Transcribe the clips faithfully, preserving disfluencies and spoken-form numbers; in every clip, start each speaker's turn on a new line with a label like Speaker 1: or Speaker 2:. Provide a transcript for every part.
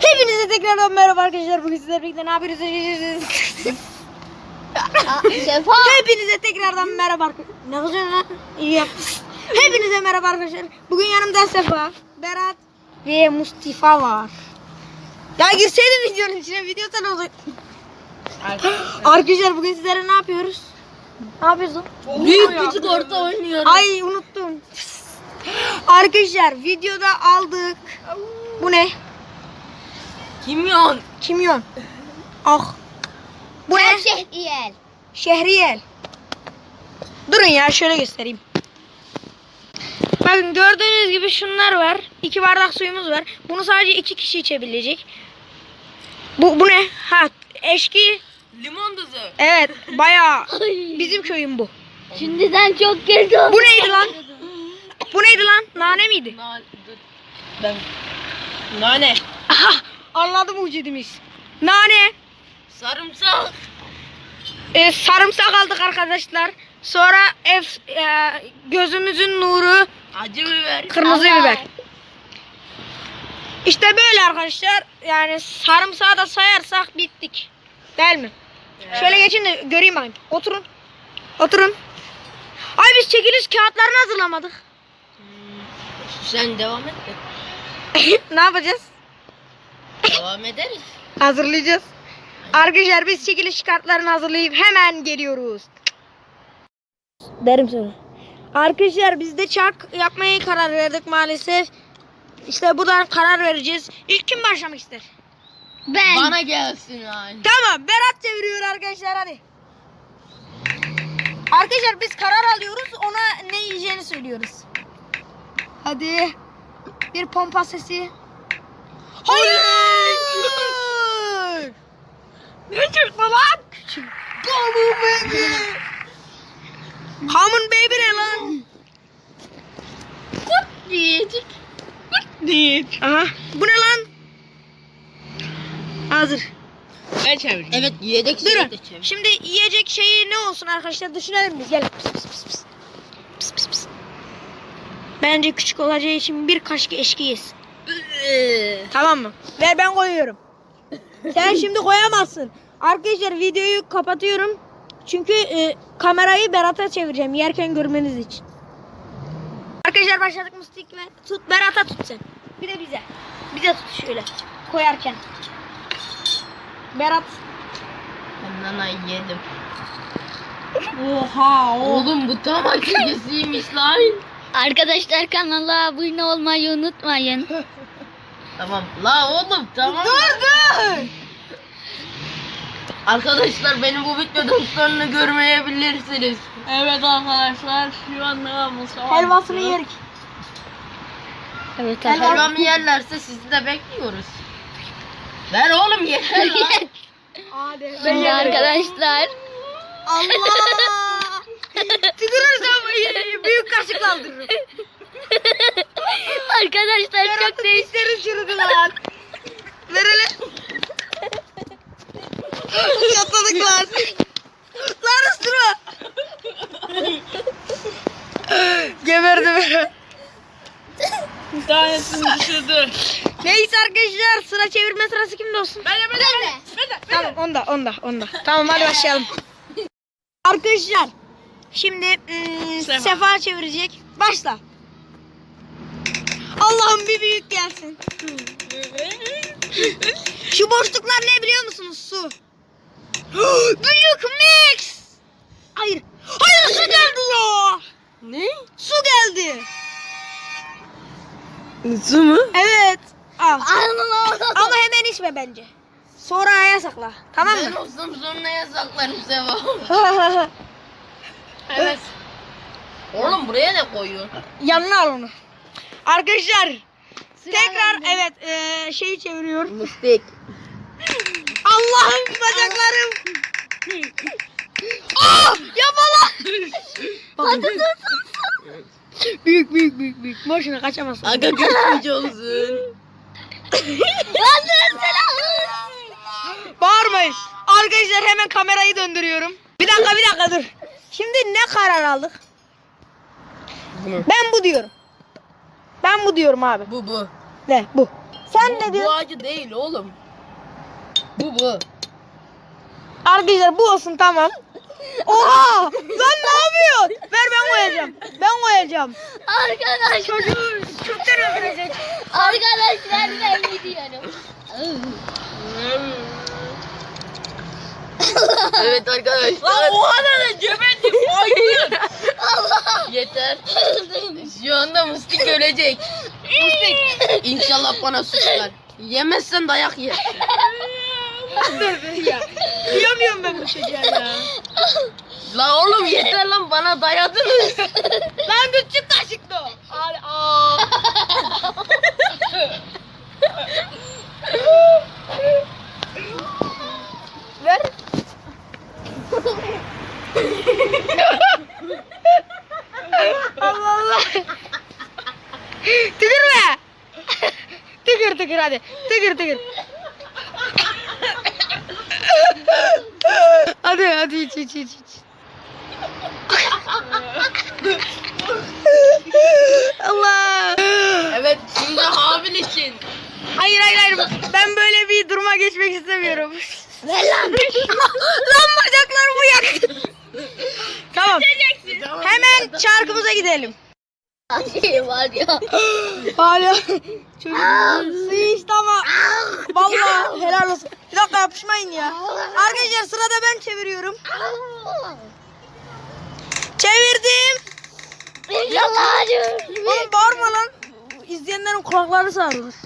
Speaker 1: Hepinize tekrardan merhaba arkadaşlar. Bugün sizlerle birlikte ne yapıyoruz?
Speaker 2: Sefa.
Speaker 1: Hepinize tekrardan merhaba arkadaşlar. Ne yapıyorsun lan? İyi yap. Hepinize merhaba arkadaşlar. Bugün yanımda Sefa, Berat ve Mustafa var. Ya girseydin videonun içine, video sen olur. Arkadaşlar bugün sizlere ne yapıyoruz? Ne yapıyorsun?
Speaker 2: Büyük küçük orta oynuyorum.
Speaker 1: Ay unuttum. Arkadaşlar videoda aldık. Bu ne?
Speaker 2: Kimyon.
Speaker 1: Kimyon. Ah. Bu ne?
Speaker 2: Şehriyel.
Speaker 1: Şehriyel. Durun ya şöyle göstereyim. Bakın gördüğünüz gibi şunlar var. İki bardak suyumuz var. Bunu sadece iki kişi içebilecek. Bu bu ne? Ha, eşki.
Speaker 2: Limon tuzu.
Speaker 1: Evet, bayağı bizim köyün bu.
Speaker 2: Şimdiden çok geldi.
Speaker 1: Bu neydi lan? Bu neydi lan? Nane miydi?
Speaker 2: Nane. Ben. Nane.
Speaker 1: Aha, anladım mucidimiz. Nane.
Speaker 2: Sarımsak.
Speaker 1: Ee, sarımsak aldık arkadaşlar. Sonra F, e, gözümüzün nuru
Speaker 2: Acı biber.
Speaker 1: kırmızı
Speaker 2: Allah.
Speaker 1: biber. İşte böyle arkadaşlar. Yani sarımsağı da sayarsak bittik. Değil mi?
Speaker 2: Evet.
Speaker 1: Şöyle geçin de göreyim bakayım. Oturun. Oturun. Ay biz çekiliş kağıtlarını hazırlamadık.
Speaker 2: Sen devam et de.
Speaker 1: Ne yapacağız?
Speaker 2: Devam ederiz.
Speaker 1: Hazırlayacağız. Arkadaşlar biz çekiliş kartlarını hazırlayıp hemen geliyoruz. Derim sana. Arkadaşlar biz de çark yapmaya karar verdik maalesef. İşte buradan karar vereceğiz. İlk kim başlamak ister?
Speaker 2: Ben. Bana gelsin ay.
Speaker 1: Tamam, Berat çeviriyor arkadaşlar, hadi. Arkadaşlar biz karar alıyoruz, ona ne yiyeceğini söylüyoruz. Hadi. Bir pompa sesi. Hayır!
Speaker 2: Ne çıktı lan?
Speaker 1: Common baby. Common baby ne lan?
Speaker 2: Kurt diyecek. Kurt diyecek.
Speaker 1: Aha. Bu ne lan? Hazır.
Speaker 2: Ben çevireyim. Evet yiyecek şeyi
Speaker 1: Durun.
Speaker 2: de çevir.
Speaker 1: Şimdi yiyecek şeyi ne olsun arkadaşlar, düşünelim biz. Gel. Pıs pıs pıs pıs. Pıs pıs pıs. Bence küçük olacağı için bir kaşık eşki yesin. Tamam mı? Ver, ben koyuyorum. Sen şimdi koyamazsın. Arkadaşlar videoyu kapatıyorum. Çünkü e, kamerayı Berat'a çevireceğim yerken görmeniz için. Arkadaşlar başladık. Mustik ve tut, Berat'a tut sen. Bir de bize. Bize tut şöyle koyarken. Berat.
Speaker 2: Ben nana yedim.
Speaker 1: Oha.
Speaker 2: Oğlum bu tam acısıymış lan.
Speaker 3: Arkadaşlar kanala abone olmayı unutmayın.
Speaker 2: Tamam. La oğlum tamam.
Speaker 1: Dur dur.
Speaker 2: Arkadaşlar benim bu videodan sonunu görmeyebilirsiniz. Evet arkadaşlar şu anda Mustafa
Speaker 1: Helvasını yerik.
Speaker 3: Evet
Speaker 1: Helva-
Speaker 2: Helvamı yerlerse sizi de bekliyoruz. Ver oğlum yeter lan.
Speaker 1: Hadi.
Speaker 3: Şimdi arkadaşlar
Speaker 1: Allah. Tükürürsem büyük kaşıkla aldırırım.
Speaker 3: arkadaşlar çok değişik.
Speaker 1: Dişlerim çürüdü lan. Ver hele. Yatladık lan. Lan ısırma. Geberdi beni.
Speaker 2: Bir tanesini düşürdü.
Speaker 1: Neyse arkadaşlar, sıra çevirme sırası kimde olsun?
Speaker 2: Ben de ben de ben de.
Speaker 1: Tamam, onda onda onda. Tamam, hadi başlayalım. Arkadaşlar şimdi ım,
Speaker 2: Sefa.
Speaker 1: Sefa çevirecek. Başla. Allah'ım bir büyük gelsin. Şu boşluklar ne biliyor musunuz? Su. Büyük mix. Hayır. Hayır, su geldi ya.
Speaker 2: Ne?
Speaker 1: Su geldi.
Speaker 2: Su mu?
Speaker 1: Evet. Al. Ama hemen içme bence. Sonra yasakla. Tamam
Speaker 2: Ben
Speaker 1: mı?
Speaker 2: olsam sonra yasaklarım Seva. Evet. Oğlum buraya da koyuyor.
Speaker 1: Yanına al onu. Arkadaşlar tekrar evet eee şeyi çeviriyor.
Speaker 2: Mustik.
Speaker 1: Allah'ım bacaklarım. Aa, yapma lan. Büyük büyük büyük büyük. Boşuna kaçamazsın.
Speaker 2: Aga geçmiş olsun.
Speaker 1: Bağırmayın. Arkadaşlar hemen kamerayı döndürüyorum. Bir dakika bir dakika dur. Şimdi ne karar aldık?
Speaker 2: Bunu.
Speaker 1: Ben bu diyorum. Ben bu diyorum abi.
Speaker 2: Bu bu.
Speaker 1: Ne bu? Sen
Speaker 2: Bu,
Speaker 1: ne
Speaker 2: bu
Speaker 1: diyorsun?
Speaker 2: acı değil oğlum. Bu bu.
Speaker 1: Arkadaşlar bu olsun tamam. Oha! Lan ne yapıyorsun? Ver ben koyacağım. Ben koyacağım.
Speaker 3: Arkadaşlar.
Speaker 1: Çocuğu kökten öldürecek.
Speaker 3: Arkadaşlar ben gidiyorum.
Speaker 2: Evet arkadaşlar.
Speaker 1: Lan oha da geberdim. Hayır.
Speaker 2: Yeter. Şu anda Mıstık ölecek. Mıstık. İnşallah bana suslar. Yemezsen dayak yer.
Speaker 1: ya. Diyemiyorum ben bu çocuğa ya.
Speaker 2: La oğlum yeter lan bana dayadınız.
Speaker 1: Lan küçük kaşıktı o. Al, aa. Ver. Allah Allah. Tükürme. Tükür tükür hadi. Tükür tükür. Hadi hadi iç iç iç iç. Allah.
Speaker 2: Evet şimdi Habil için.
Speaker 1: Hayır hayır hayır. Ben böyle bir duruma geçmek istemiyorum. Ver lan. Lan bacaklarımı yaktın. Tamam. Hemen çarkımıza gidelim.
Speaker 3: Şey var ya.
Speaker 1: Hala çocuk sıçtı ama vallahi helal olsun. Bir dakika yapışmayın ya. Arkadaşlar sırada ben çeviriyorum. Çevirdim.
Speaker 3: Yalvarıyorum.
Speaker 1: Oğlum bağırma lan. İzleyenlerin kulakları sarılır.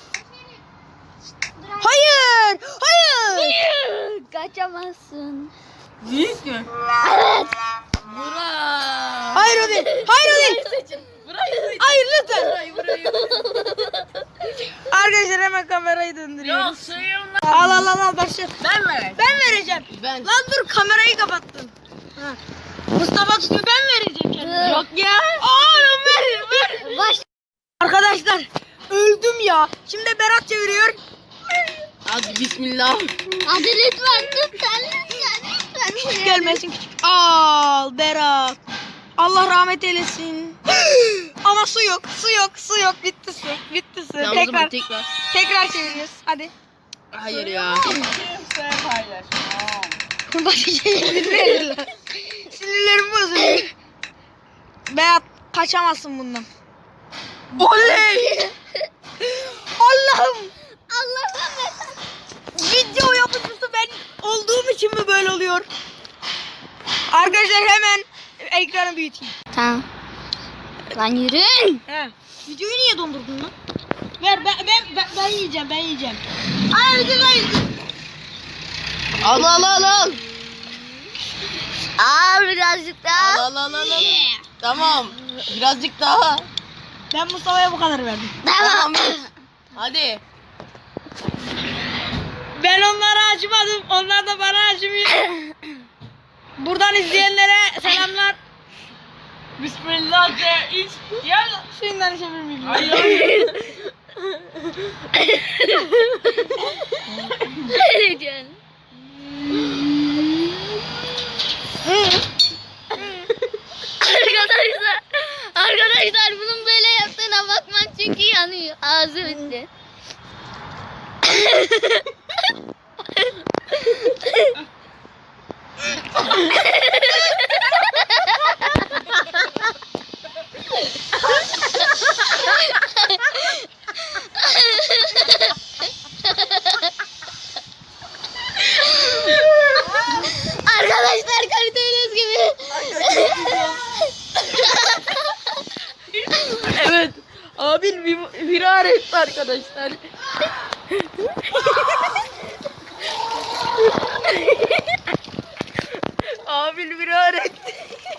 Speaker 1: Hayır. Hayır.
Speaker 3: Kaçamazsın.
Speaker 2: Büyük mü?
Speaker 3: Evet.
Speaker 2: Burak.
Speaker 1: Hayır o değil. Hayır o değil.
Speaker 2: Burayı seçin.
Speaker 1: Hayır lütfen.
Speaker 2: Burayı burayı.
Speaker 1: Arkadaşlar hemen kamerayı döndürüyoruz.
Speaker 2: Yok suyumla.
Speaker 1: Al al al al başla.
Speaker 2: Ben mi?
Speaker 1: Ben vereceğim.
Speaker 2: Ben.
Speaker 1: Lan dur kamerayı kapattın. Ha. Mustafa tutuyor ben vereceğim kendime.
Speaker 2: Yok ya.
Speaker 1: Oğlum ver ver.
Speaker 3: Baş.
Speaker 1: Arkadaşlar öldüm ya. Şimdi Berat çeviriyor.
Speaker 2: Hadi bismillah.
Speaker 3: Hadi lütfen lütfen lütfen lütfen.
Speaker 1: Küçük gelmesin küçük. Al Berat. Allah rahmet eylesin. Ama su yok, su yok, su yok. Bitti su, bitti su.
Speaker 2: Tamam, o
Speaker 1: tekrar,
Speaker 2: zaman tekrar.
Speaker 1: tekrar çeviriyoruz. Hadi.
Speaker 2: Hayır ya.
Speaker 1: Başka şey bilmiyorum. Sinirlerim bozuluyor. Berat kaçamazsın bundan. Oley! Allah'ım!
Speaker 3: Allah'ım.
Speaker 1: Video yapıcısı ben olduğum için mi böyle oluyor? Arkadaşlar hemen ekranı büyüteyim.
Speaker 3: Tamam. Lan yürüyün.
Speaker 1: He. Videoyu niye dondurdun lan? Ver ben ben ben, ben yiyeceğim ben yiyeceğim. Ay güzel.
Speaker 2: Al al al al.
Speaker 3: Aa birazcık daha.
Speaker 2: Al al al al. al. Tamam. Birazcık daha.
Speaker 1: Ben Mustafa'ya bu kadar verdim.
Speaker 2: Tamam. Hadi.
Speaker 1: Ben onlara acımadım. Onlar da bana acımıyor. Buradan izleyenlere selamlar.
Speaker 2: Bismillah de iç. Gel.
Speaker 1: Suyundan içebilir miyim?
Speaker 2: Hayır hayır.
Speaker 3: Ne diyorsun? Arkadaşlar, arkadaşlar bunun böyle yaptığına bakmak çünkü yanıyor. Ağzı bitti. Arkadaşlar gördüğünüz gibi.
Speaker 2: Evet. Abil bir firar etti arkadaşlar. Abil firar etti.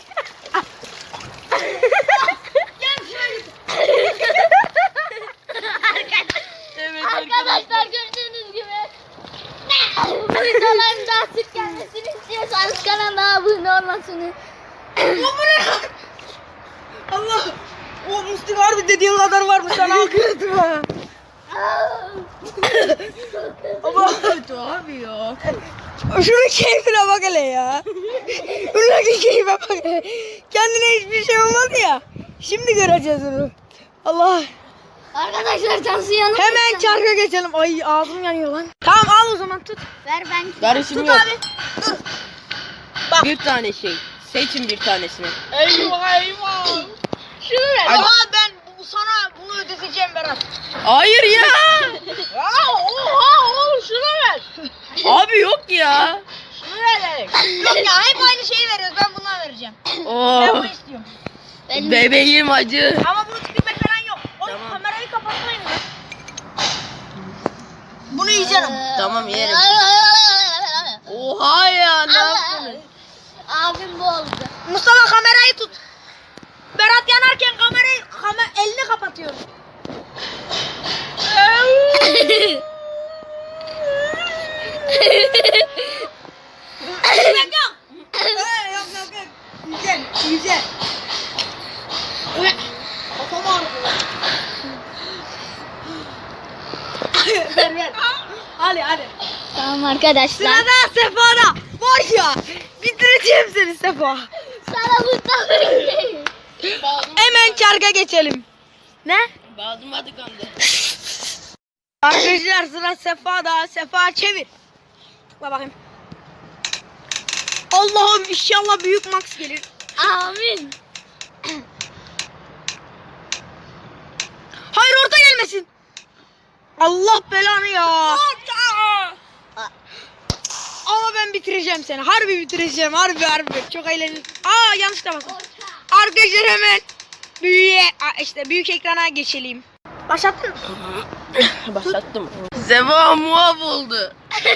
Speaker 2: Evet
Speaker 3: Arkadaşlar gördüğünüz gibi. Bu videoların daha sık gelmesini istiyorsanız kanala abone olmasını.
Speaker 1: Allah. O Mustafa harbi dediğin kadar varmış. Sana akıyordum ha. Ama
Speaker 2: kötü abi ya.
Speaker 1: şunun keyfine bak hele ya. Şuradaki keyfe bak hele. Kendine hiçbir şey olmadı ya. Şimdi göreceğiz onu. Allah.
Speaker 3: Arkadaşlar tansiyonum.
Speaker 1: Hemen çarka geçelim. Ay ağzım yanıyor lan. Tamam al o zaman tut.
Speaker 3: Ver ben.
Speaker 2: Karışım
Speaker 1: Tut
Speaker 2: yok.
Speaker 1: abi. Dur. Bak.
Speaker 2: Bir tane şey. Seçin bir tanesini.
Speaker 1: Eyvah eyvah. Şunu ver.
Speaker 2: Hadi.
Speaker 1: Aa ben bu, sana bunu ödeteceğim Berat.
Speaker 2: Hayır ya.
Speaker 1: Ya oha oğlum şunu ver.
Speaker 2: Abi yok ya.
Speaker 1: Şunu ver. Yok ya hep aynı şeyi veriyoruz. Ben bundan vereceğim. Ben
Speaker 2: Oh.
Speaker 1: bunu istiyorum.
Speaker 3: Benim.
Speaker 2: Bebeğim acı.
Speaker 1: Ama bunu tükürmek falan yok. Oğlum
Speaker 2: Tamam.
Speaker 1: kamerayı kapatmayın lan. Bunu yiyeceğim.
Speaker 2: Tamam yerim. Oha ya ne yaptınız?
Speaker 3: Abim boğuldu.
Speaker 1: Mustafa kamerayı tut. Berat yanarken kamerayı kamer, elini kapatıyor. Yok yok. Ee, yok yok yok. Güzel güzel. Kafam ağrıdı. ver ver. Hadi hadi.
Speaker 3: Tamam arkadaşlar.
Speaker 1: Sırada Sefa'da. Var ya. Bitireceğim seni Sefa.
Speaker 3: Sana Mustafa.
Speaker 1: Hemen çarka geçelim. Ne?
Speaker 2: Bazım adı kandı.
Speaker 1: Arkadaşlar sıra Sefa'da. Sefa çevir. Bak bakayım. Allah'ım inşallah büyük max gelir.
Speaker 3: Amin.
Speaker 1: Hayır orta gelmesin. Allah belanı ya. Ama ben bitireceğim seni. Harbi bitireceğim. Harbi harbi. Çok eğlenceli. Aa yanlış da basın. Arkadaşlar hemen büyüye Aa, işte büyük ekrana geçelim. Başlattın mı?
Speaker 2: Başlattım. Zeva muaf oldu.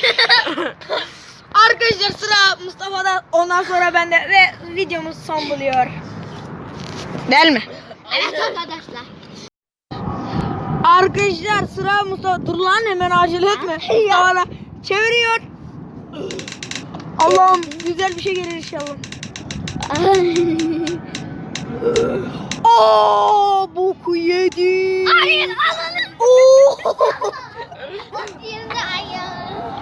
Speaker 1: Arkadaşlar sıra Mustafa'da, ondan sonra bende ve videomuz son buluyor. Değil mi?
Speaker 3: Evet arkadaşlar.
Speaker 1: Arkadaşlar sıra Mustafa. Dur lan hemen acele etme. Mustafa'da çeviriyor. Allah'ım güzel bir şey gelir inşallah. Aa boku yedi.
Speaker 3: Hayır alalım.
Speaker 1: Oo.
Speaker 3: Yerinde ayağım.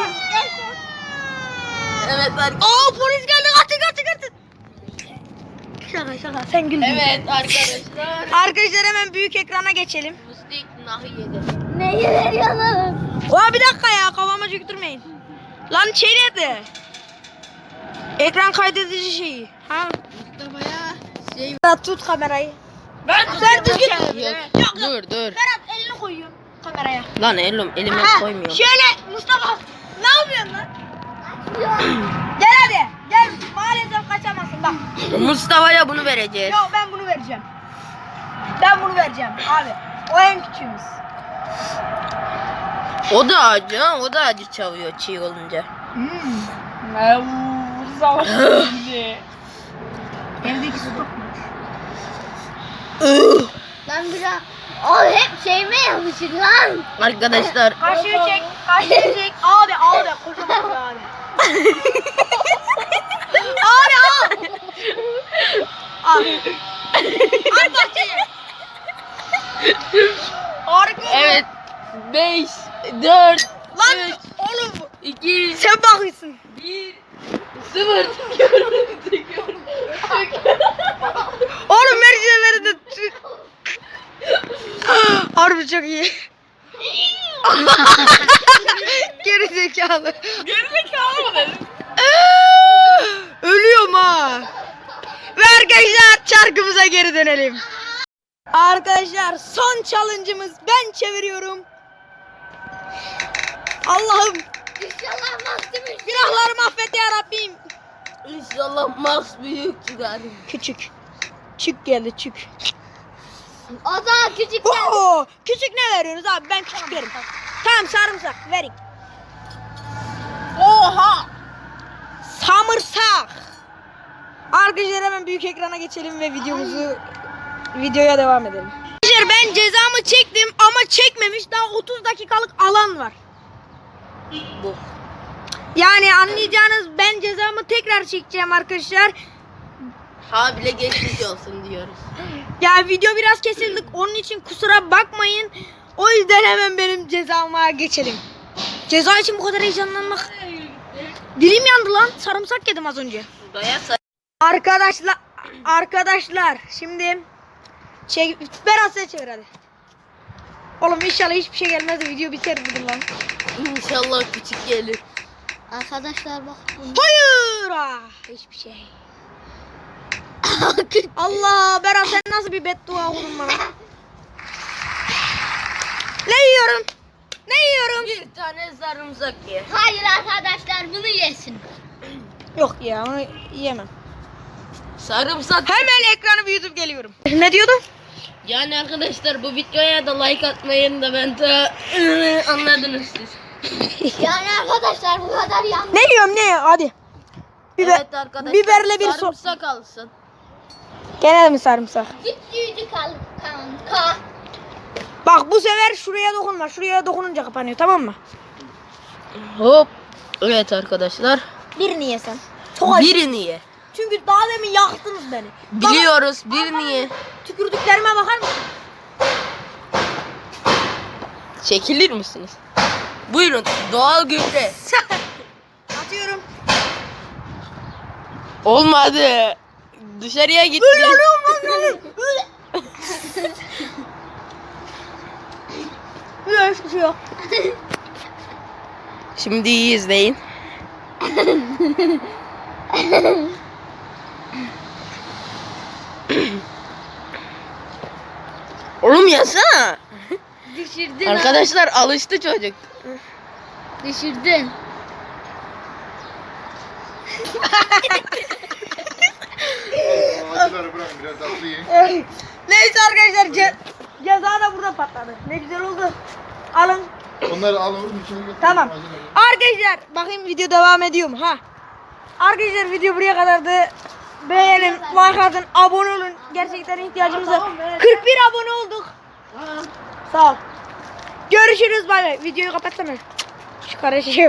Speaker 2: Evet arkadaşlar.
Speaker 1: Aa polis geldi kaçın kaçın kaçın. Şaka şaka sen güldün.
Speaker 2: Evet arkadaşlar.
Speaker 1: Arkadaşlar hemen büyük ekrana geçelim.
Speaker 2: Mustik nahi yedi.
Speaker 3: Neyi veriyorsun?
Speaker 1: Aa bir dakika ya kafama çöktürmeyin. Lan şey nerede? Ekran kaydedici şeyi. Ha?
Speaker 2: Mustafa'ya şey.
Speaker 1: Berat tut kamerayı.
Speaker 2: Ben
Speaker 1: Sen düzgün.
Speaker 2: Yok,
Speaker 1: Yok,
Speaker 2: dur dur.
Speaker 1: Berat elini koyuyor kameraya.
Speaker 2: Lan elim elime
Speaker 1: Ha,
Speaker 2: koymuyorum.
Speaker 1: şöyle Mustafa ne yapıyorsun lan? Gel hadi gel maalesef kaçamazsın bak.
Speaker 2: Mustafa'ya bunu vereceğiz.
Speaker 1: Yok ben bunu vereceğim. Ben bunu vereceğim abi. O en küçüğümüz.
Speaker 2: O da acı ha, o da acı çalıyor çiğ olunca.
Speaker 1: Hmm. Evdeki su kokmuş.
Speaker 3: Lan biraz. O hep şeyime yapışır lan.
Speaker 2: Arkadaşlar
Speaker 1: Kaşığı çek, kaşığı çek. Abi abi kocaman bir abi. Abi al. Al. Al bahçeye. Harika.
Speaker 2: evet beş, dört,
Speaker 1: Lan
Speaker 2: üç,
Speaker 1: oğlum
Speaker 2: iki,
Speaker 1: sen bakıyorsun.
Speaker 2: bir, sıfır.
Speaker 1: Oğlum mercimeleri de tü- Harbi çok iyi. Geri zekalı.
Speaker 2: Geri zekalı mı dedim?
Speaker 1: Ölüyorum ha. Ve arkadaşlar çarkımıza geri dönelim. Arkadaşlar son challenge'ımız ben çeviriyorum. Allah'ım
Speaker 3: İnşallah mahkum.
Speaker 1: günahlarımı affet ya Rabbim.
Speaker 2: İnşallah Max büyük çıkar.
Speaker 1: Küçük. Çık geldi çık.
Speaker 3: O zaman küçük.
Speaker 1: Oo, küçük ne veriyorsunuz abi? Ben küçük verim. Tamam sarımsak verin. Oha! Samırsak. Arkadaşlar hemen büyük ekrana geçelim ve videomuzu videoya devam edelim. Arkadaşlar ben cezamı çektim ama çekmemiş daha otuz dakikalık alan var.
Speaker 2: Bu.
Speaker 1: Yani anlayacağınız ben cezamı tekrar çekeceğim arkadaşlar.
Speaker 2: Ha bile geçmiş olsun diyoruz.
Speaker 1: Ya video biraz kesildik onun için kusura bakmayın. O yüzden hemen benim cezama geçelim. Ceza için bu kadar heyecanlanmak. Dilim yandı lan. Sarımsak yedim az önce.
Speaker 2: Daya say.
Speaker 1: Arkadaşlar arkadaşlar şimdi çek Berat sen çevir hadi. Oğlum inşallah hiçbir şey gelmez de video biter dedim lan.
Speaker 2: İnşallah küçük gelir.
Speaker 3: Arkadaşlar bak.
Speaker 1: Hayır. Ah, hiçbir şey. Allah Berat sen nasıl bir beddua okudun bana? Ne yiyorum? Ne yiyorum?
Speaker 2: Bir tane sarımsak ye.
Speaker 3: Hayır arkadaşlar bunu yesin.
Speaker 1: Yok ya onu yiyemem.
Speaker 2: Sarımsak.
Speaker 1: Hemen ekranı büyütüp geliyorum. Ne diyordun?
Speaker 2: Yani arkadaşlar bu videoya da like atmayın da ben de anladınız siz.
Speaker 3: Yani arkadaşlar bu kadar yanlış.
Speaker 1: Ne yiyorum ne? Hadi. Biber,
Speaker 2: Evet arkadaşlar.
Speaker 1: biberle bir so...
Speaker 2: sarımsak alsın.
Speaker 1: Gene mi sarımsak?
Speaker 3: Küçücük al kanka.
Speaker 1: Bak bu sefer şuraya dokunma. Şuraya dokununca kapanıyor tamam mı?
Speaker 2: Hop. Evet arkadaşlar.
Speaker 1: Birini yesen. Çok acı.
Speaker 2: Birini ye.
Speaker 1: Çünkü daha demin yaktınız beni.
Speaker 2: Biliyoruz birini ye.
Speaker 1: Tükürdüklerime bakar mısın?
Speaker 2: Çekilir misiniz? Buyurun doğal gübre.
Speaker 1: Atıyorum.
Speaker 2: Olmadı. Dışarıya gitti.
Speaker 1: Öyle alıyorum lan alıyorum. Öyle. Öyle hiçbir şey yok.
Speaker 2: Şimdi iyi izleyin. Oğlum yasana.
Speaker 3: Düşürdün.
Speaker 2: Arkadaşlar alıştı çocuk.
Speaker 3: Düşürdün.
Speaker 4: Acıları bırakın biraz tatlı yiyin.
Speaker 1: Neyse arkadaşlar ce ceza da burada patladı. Ne güzel oldu. Alın.
Speaker 4: Onları al oğlum içine götür.
Speaker 1: Tamam.
Speaker 4: Acıları.
Speaker 1: Arkadaşlar bakayım video devam ediyor mu? Ha. Arkadaşlar video buraya kadardı. Beğenin, like atın, abone olun. Gerçekten ihtiyacımız var. kırk bir abone olduk. Sağ ol. Görüşürüz bay bay. Videoyu kapatsana. Şu karışıyor.